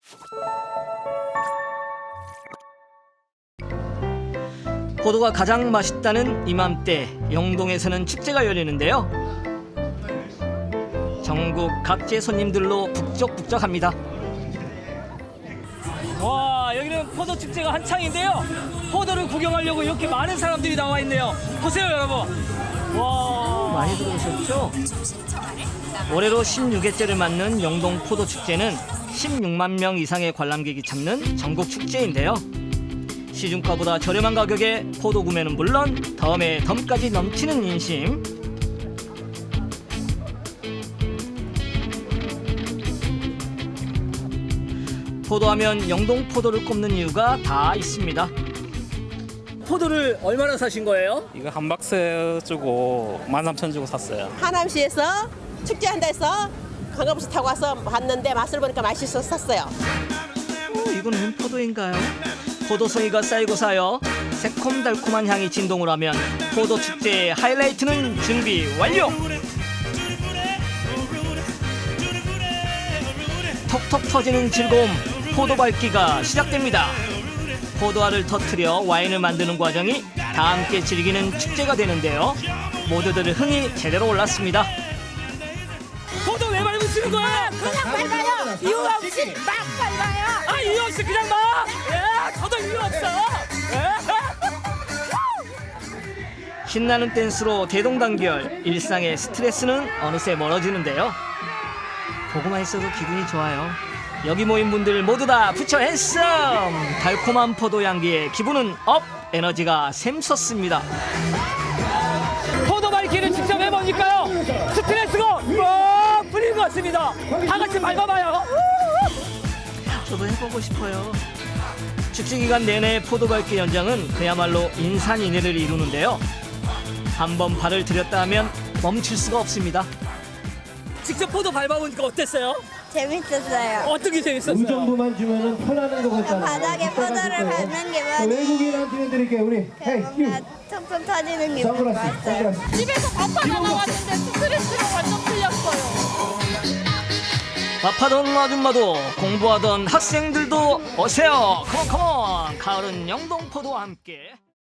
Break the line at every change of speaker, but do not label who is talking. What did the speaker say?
포도가 가장 맛있다는 이맘때 영동에서는 축제가 열리는데요. 전국 각지의 손님들로 북적북적합니다. 와, 여기는 포도 축제가 한창인데요. 포도를 구경하려고 이렇게 많은 사람들이 나와 있네요. 보세요, 여러분. 와, 많이 들어오셨죠? 올해로 16회째를 맞는 영동 포도 축제는 16만 명 이상의 관람객이 참는 전국 축제인데요. 시중가보다 저렴한 가격에 포도 구매는 물론 덤에 덤까지 넘치는 인심. 포도하면 영동 포도를 꼽는 이유가 다 있습니다. 포도를 얼마나 사신 거예요?
이거 한 박스 주고 13,000 주고 샀어요.
하남시에서 축제한다 해서 관광버스 타고 와서 봤는데 맛을 보니까 맛있어서 샀어요.
이건 웬 포도인가요? 포도송이가 쌓이고 쌓여 새콤달콤한 향이 진동을 하면 포도 축제의 하이라이트는 준비 완료! 톡톡 터지는 즐거움, 포도 밟기가 시작됩니다. 포도알을 터뜨려 와인을 만드는 과정이 다 함께 즐기는 축제가 되는데요. 모두들 흥이 제대로 올랐습니다. 포도 왜 밟으시는 거예요?
그냥 밟아요. 이유 없이 막 밟아요.
아, 이유 없이 그냥 막! 예, 저도 이유 없어! 예. 신나는 댄스로 대동단결, 일상의 스트레스는 어느새 멀어지는데요. 보고만 있어도 기분이 좋아요. 여기 모인 분들 모두 다 부처 핸섬! 달콤한 포도 향기에 기분은 업! 에너지가 샘솟습니다. 포도 밟기를 직접 해보니까요, 스트레스가 막 풀린 것 같습니다. 다 같이 밟아봐요. 저도 해보고 싶어요. 축제 기간 내내 포도 밟기 현장은 그야말로 인산인해를 이루는데요. 한번 발을 들였다 하면 멈출 수가 없습니다. 직접 포도 밟아보니까 어땠어요?
재밌었어요.
어떤 게 재밌었어요?
의정부만 주면은 편안한 것 같잖아.
바닥에 포도를 밟는 기분이
외국인한테 드릴게요. 우리 헤이
뭔가 퉁퉁 터지는 기분이
선글라스.
좋았어요.
선글라스.
집에서 밥하다 나왔는데 스트레스가 완전 풀렸어요.
밥하던 아줌마도 공부하던 학생들도 오세요. 컴온 컴온. 가을은 영동포도와 함께.